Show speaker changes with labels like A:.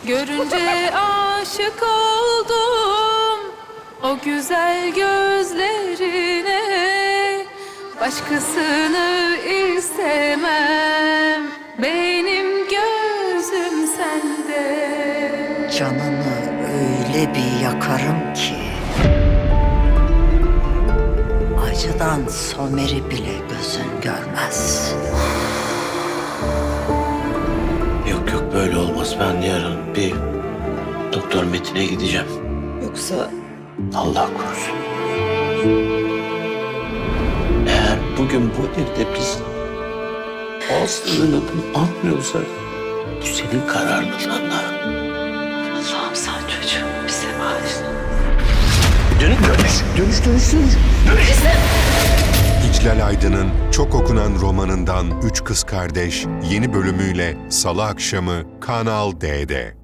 A: Görünce aşık oldum o güzel gözlerine. Başkasını istemem, benim gözüm sende.
B: Canını öyle bir yakarım ki acıdan Somer'i bile gözün görmez.
C: Yok yok, böyle olmaz. Ben yarın bir Doktor Metin'e gideceğim.
B: Yoksa
C: Allah korusun. Eğer bugün bu evde biz Aslı'nın adını atmıyorsak bu senin kararlılığınla.
B: Allah'ım sen çocuğum bize bağışla.
C: Dönüş.
D: İclal Aydın'ın çok okunan romanından Üç Kız Kardeş yeni bölümüyle Salı akşamı Kanal D'de.